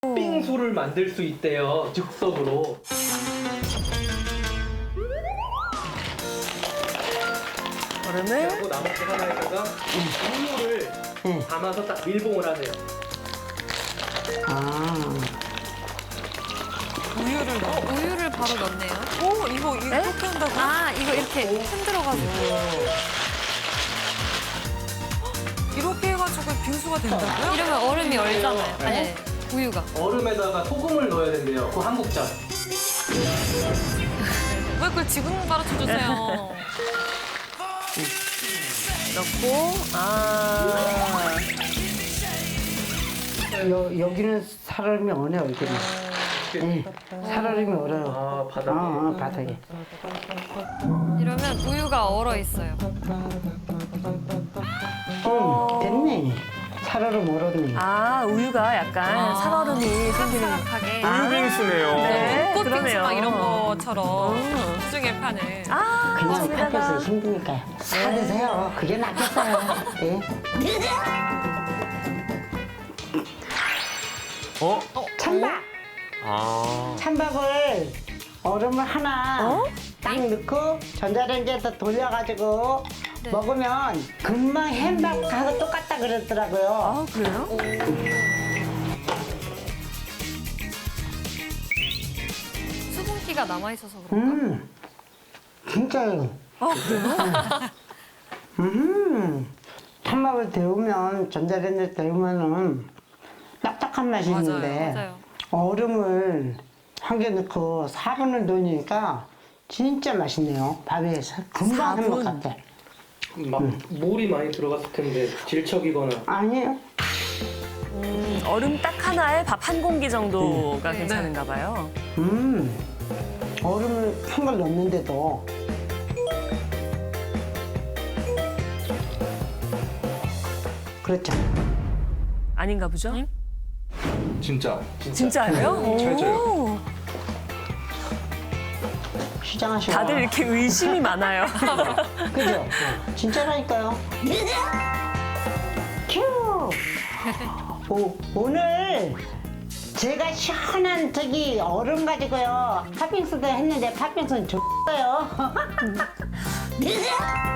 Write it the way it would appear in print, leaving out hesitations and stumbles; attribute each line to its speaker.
Speaker 1: 빙수를 만들 수 있대요. 즉석으로.
Speaker 2: 얼음을
Speaker 1: 그리고 나머지 하나에다가 우유를 담아서 딱 밀봉을 하세요.
Speaker 3: 우유를 바로 넣네요.
Speaker 2: 오 이거 이렇게 한다고?
Speaker 3: 아, 이거 이렇게 흔들어가지고.
Speaker 2: 이렇게 해가지고 빙수가 된다고요?
Speaker 3: 이러면 얼음이 얼잖아요. 아니, 우유가.
Speaker 1: 얼음에다가 소금을 넣어야 된대요. 그 한국장.
Speaker 2: 왜 그걸 지금 가르쳐 주세요? 넣고
Speaker 4: 여기는 살얼음이 얼어요, 여기는. 네, 살얼음이 얼어요.
Speaker 1: 아, 바닥에.
Speaker 4: 바닥에.
Speaker 3: 이러면 우유가 얼어 있어요.
Speaker 4: 됐네. 살얼음 얼었네.
Speaker 2: 아 우유가 약간 살얼음이 생기는
Speaker 3: 사각사각하게.
Speaker 5: 우유빙수네요.
Speaker 2: 네,
Speaker 6: 꽃빙수
Speaker 2: 그러네요.
Speaker 6: 막 이런 것처럼 시중에 파는.
Speaker 2: 아
Speaker 4: 그냥
Speaker 2: 맞습니다.
Speaker 4: 팥에서 힘드니까 사드세요. 그게 낫겠어요. 예. 찬밥!
Speaker 5: 아.
Speaker 4: 찬밥을 얼음을 하나 딱 넣고 전자레인지에서 돌려가지고 먹으면 금방 햄밥하고 똑같다 그러더라고요.
Speaker 2: 아 그래요?
Speaker 3: 수분기가 남아있어서 그런가?
Speaker 4: 진짜요. 찬밥을 데우면 전자레인지에 데우면은 딱딱한 맛이 있는데
Speaker 3: 맞아요.
Speaker 4: 얼음을 한 개 넣고 4분을 넣으니까 진짜 맛있네요. 밥에 금방 한것 같아.
Speaker 1: 막 물이 많이 들어갔을 텐데 질척이거나.
Speaker 4: 아니에요.
Speaker 2: 얼음 딱 하나에 밥 한 공기 정도가 괜찮은가 봐요.
Speaker 4: 얼음을 큰 걸 넣는데도 그렇죠.
Speaker 2: 아닌가 보죠?
Speaker 5: 진짜.
Speaker 2: 진짜예요?
Speaker 5: 잘 쪄요.
Speaker 2: 오,
Speaker 4: 시장하시고
Speaker 2: 다들 이렇게 의심이 많아요.
Speaker 4: 그죠? 진짜라니까요. 큐! 오늘 제가 시원한 저기 얼음 가지고요 팥빙수도 했는데 팥빙수는 좋어요.